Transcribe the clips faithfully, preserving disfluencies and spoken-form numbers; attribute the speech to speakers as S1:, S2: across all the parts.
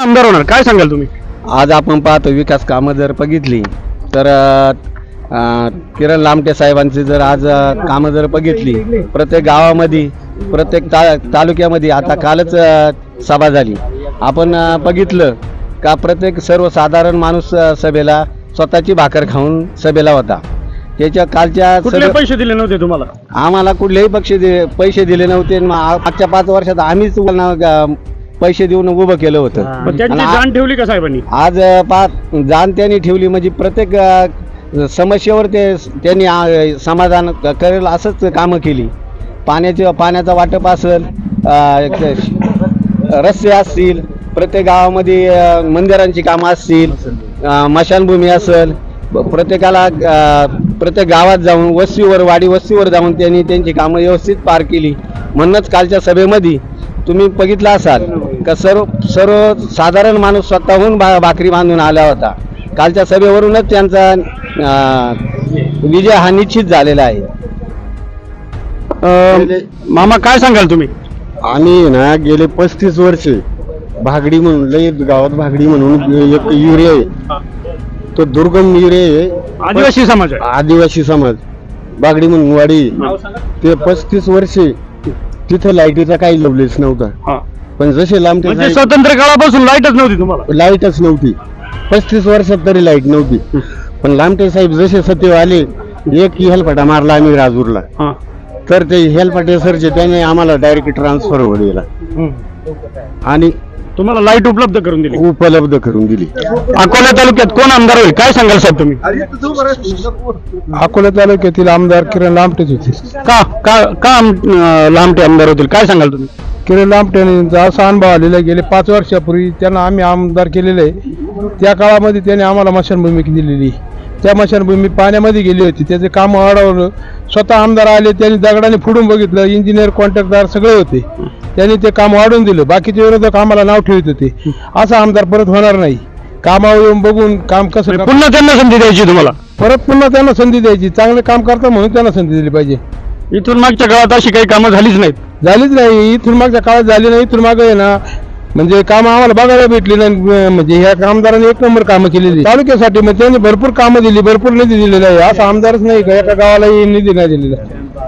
S1: आमदार होणार काय सांगाल तुम्ही?
S2: आज आपण पाहतो विकास कामं जर बघितली तर अ, किरण लामटे साहेबांची जर आज अ, कामं जर बघितली प्रत्येक गावामध्ये प्रत्येक ता तालुक्यामध्ये आता कालच अ, सभा झाली आपण अ, बघितलं का प्रत्येक सर्वसाधारण माणूस अ, सभेला स्वतःची भाकर खाऊन सभेला होता. त्याच्या कालच्या
S1: कुठले
S2: सभे
S1: पैसे दिले नव्हते तुम्हाला?
S2: आम्हाला कुठलेही पक्ष दे पैसे दिले नव्हते. मा- मागच्या पाच वर्षात आम्हीच त्यांना, अ, पैसे देऊन उभं केलं होतं.
S1: पण त्यांची
S2: आणि आ-
S1: जाण ठेवली का साहेबांनी?
S2: आज अ, पा जाण त्यांनी ठेवली म्हणजे प्रत्येक अ, समस्येवर ते त्यांनी अ, समाधान क- करेल असंच कामं केली. पाण्याचे पाण्याचा वाटप असेल, अ, क- रस्ते असतील, प्रत्येक गावामध्ये अ, मंदिरांची कामं असतील, अ, मशानभूमी असेल, ब- प्रत्येकाला अ, प्रत्येक गावात जाऊन वस्तीवर वाडी वस्तीवर जाऊन त्यांनी त्यांची कामं व्यवस्थित पार केली. म्हणूनच कालच्या सभेमध्ये तुम्ही बघितलं असाल का सर्व सर्व साधारण माणूस स्वतःहून बा भाकरी बांधून आला होता. कालच्या सभेवरूनच त्यांचा अ, विजय हा निश्चित झालेला आहे.
S1: अं, मामा काय सांगाल तुम्ही?
S3: आम्ही ना गेले पस्तीस वर्षे भागडी म्हणून लय गावात भागडी म्हणून एक युरिया आहे, तो दुर्गम युरिया आहे.
S1: आदिवासी समाज आहे.
S3: आदिवासी समाज बागडी म्हणून वाडी, ते पस्तीस वर्षे तिथं लाईटीचा काही लवलेस नव्हता.
S1: हा.
S3: पण जसे लांबटे
S1: म्हणजे
S3: साहेब-
S1: स्वतंत्र काळापासून लाईटच नव्हती तुम्हाला?
S3: लाईटच नव्हती, पस्तीस वर्षात तरी लाईट नव्हती. पण लांबटे साहेब जसे सत्य आले, एक हेलपाटा मारला आम्ही राजूरला,
S1: हा.
S3: तर ते हेलपाटे सरचे त्याने आम्हाला डायरेक्ट ट्रान्सफर वर दिला
S1: हम्म.
S3: आणि
S1: तुम्हाला लाईट उपलब्ध करून दिली.
S3: उपलब्ध करून दिली.
S1: अकोला तालुक्यात कोण आमदार होईल काय सांगाल साहेब तुम्ही?
S3: अकोला तालुक्यातील आमदार किरण लांबटेच होते.
S1: का का का आम- अं, लांबटे आमदार होतील काय सांगाल तुम्ही?
S3: किरण लांबटेंचा असा अनुभव आलेला आहे, गेले पाच वर्षापूर्वी त्यांना आम्ही आमदार केलेले आहे. त्या काळामध्ये त्याने आम्हाला मशानभूमी दिलेली. त्या मशानभूमी पाण्यामध्ये गेली होती, त्याचे काम वाढवलं. स्वतः आमदार आले, त्यांनी दगडाने फोडून बघितलं, इंजिनियर कॉन्ट्रॅक्टदार सगळे होते, त्यांनी ते काम वाढवून दिलं. बाकीचे विरोधक आम्हाला नाव ठेवत होते. असा आमदार परत होणार नाही. कामावर येऊन बघून काम कसं
S1: म्हणजे पुन्हा त्यांना संधी द्यायची तुम्हाला?
S3: परत पुन्हा त्यांना संधी द्यायची. चांगले काम करता म्हणून त्यांना संधी दिली पाहिजे.
S1: इथून मागच्या काळात अशी काही कामं झालीच नाहीत.
S3: झालीच नाही, इथून मागच्या काळात झाली नाही. इथून मागे आहे ना, म्हणजे काम आम्हाला बघायला भेटली नाही. म्हणजे ह्या कामदारांनी एक नंबर कामं केलेली तालुक्यासाठी. म्हणजे त्यांनी भरपूर कामं दिली, भरपूर निधी दिलेला आहे. असा आमदारच नाही का एका गावालाही निधी नाही दिलेला.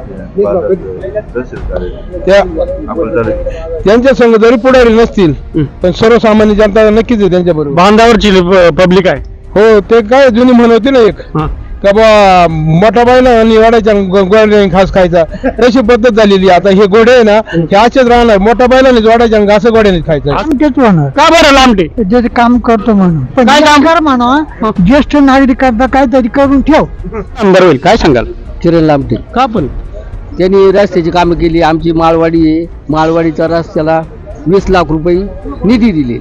S3: त्या त्यांच्या संघ जरी पुढारी नसतील पण सर्वसामान्य जनता नक्कीच आहे त्यांच्या बरोबर.
S1: बांधावरची पब्लिक आहे.
S3: हो, ते काय जुनी म्हण होती ना एक,
S1: हा.
S3: का बा मोठा बायला आणि वाडायच्या गोड्याने घास खायचा, तशी पद्धत झालेली. आता हे गोडे आहे ना, हे असेच राहणार. मोठा बायलाने जोडायच्या आणि घास गोड्याने खायचा.
S4: तेच होणार
S1: का बरं लांबटे?
S4: जे काम करतो म्हणून. पण
S1: काय काम?
S4: कर म्हणा, ज्येष्ठ नागरिकांना काहीतरी करून ठेव.
S1: आमदार होईल काय सांगाल?
S2: किरण लामटे
S1: का पण?
S2: त्यांनी रस्त्याची कामं केली. आमची माळवाडी आहे, माळवाडीच्या रस्त्याला वीस लाख रुपये निधी दिले.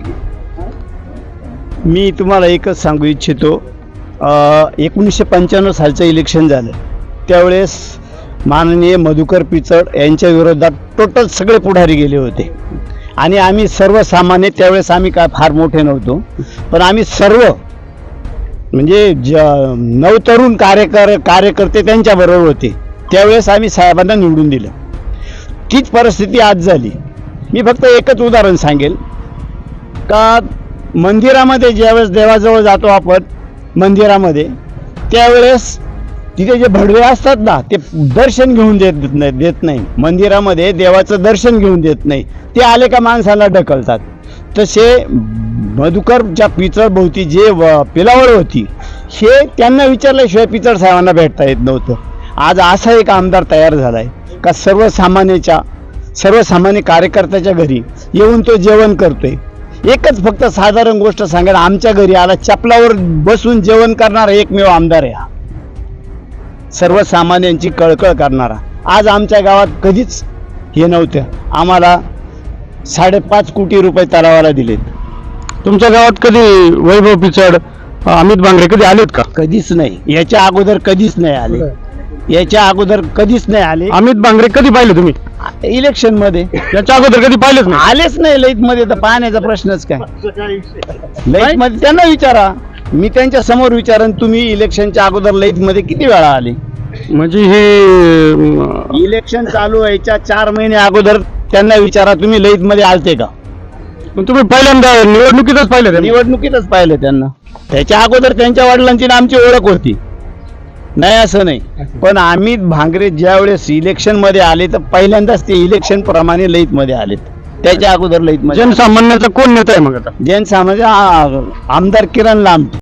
S5: मी तुम्हाला एकच सांगू इच्छितो, एकोणीसशे पंच्याण्णव सालचं इलेक्शन झालं त्यावेळेस माननीय मधुकर पिचड यांच्या विरोधात टोटल सगळे पुढारी गेले होते आणि आम्ही सर्वसामान्य, त्यावेळेस आम्ही काय फार मोठे नव्हतो, पण आम्ही सर्व म्हणजे ज नवतरुण कार्यकर कार्यकर्ते त्यांच्याबरोबर होते. त्यावेळेस आम्ही साहेबांना निवडून दिलं. तीच परिस्थिती आज झाली. मी फक्त एकच उदाहरण सांगेल का मंदिरामध्ये ज्यावेळेस देवाजवळ जातो आपण मंदिरामध्ये, त्यावेळेस तिथे जे भडवे असतात ना, ते दर्शन घेऊन देत नाही देत नाही मंदिरामध्ये देवाचं दर्शन घेऊन देत नाही. ते आले का माणसाला ढकलतात. तसे मधुकरच्या पिचड भोवती जे पिलावळ होती, हे त्यांना विचारल्याशिवाय पिचड साहेबांना भेटता येत नव्हतं. आज असा एक आमदार तयार झालाय का सर्वसामान्याच्या सर्वसामान्य कार्यकर्त्याच्या घरी येऊन तो जेवण करतोय. एकच फक्त साधारण गोष्ट सांगायला, आमच्या घरी आला चपलावर बसून जेवण करणारा एकमेव आमदार आहे हा, सर्वसामान्यांची कळकळ करणारा. आज आमच्या गावात कधीच हे नव्हतं. आम्हाला साडेपाच कोटी रुपये तलावाला दिलेत.
S1: तुमच्या गावात कधी वैभव पिचड, अमित बांगरे कधी आलेत का?
S5: कधीच नाही. याच्या अगोदर कधीच नाही आले. याच्या अगोदर कधीच नाही आले.
S1: अमित बांगरे कधी पाहिले तुम्ही?
S5: इलेक्शन मध्ये.
S1: याच्या अगोदर कधी पाहिलेच नाही?
S5: आलेच नाही लाईट मध्ये, तर पाहण्याचा प्रश्नच काय. लाईट मध्ये त्यांना विचारा, मी त्यांच्या समोर विचारन, तुम्ही इलेक्शनच्या अगोदर लाईट मध्ये किती वेळा आले?
S1: म्हणजे हे
S5: इलेक्शन चालू व्हायच्या चार महिने अगोदर त्यांना विचारा, तुम्ही लाईट मध्ये आलते का?
S1: पण तुम्ही पहिल्यांदा निवडणुकीतच पाहिलं त्यांना?
S5: निवडणुकीतच पाहिलं त्यांना. त्याच्या अगोदर त्यांच्या वडिलांची आणि आमची ओळख होती, नाही असं नाही. पण अमित भांगरे ज्या वेळेस इलेक्शन मध्ये आले तर पहिल्यांदाच ते इलेक्शन प्रमाणे लईत मध्ये आलेत. त्याच्या अगोदर लईत मध्ये
S1: जनसामान्याचा कोण नेता आहे मग आता?
S5: जैन समाज आमदार किरण लांब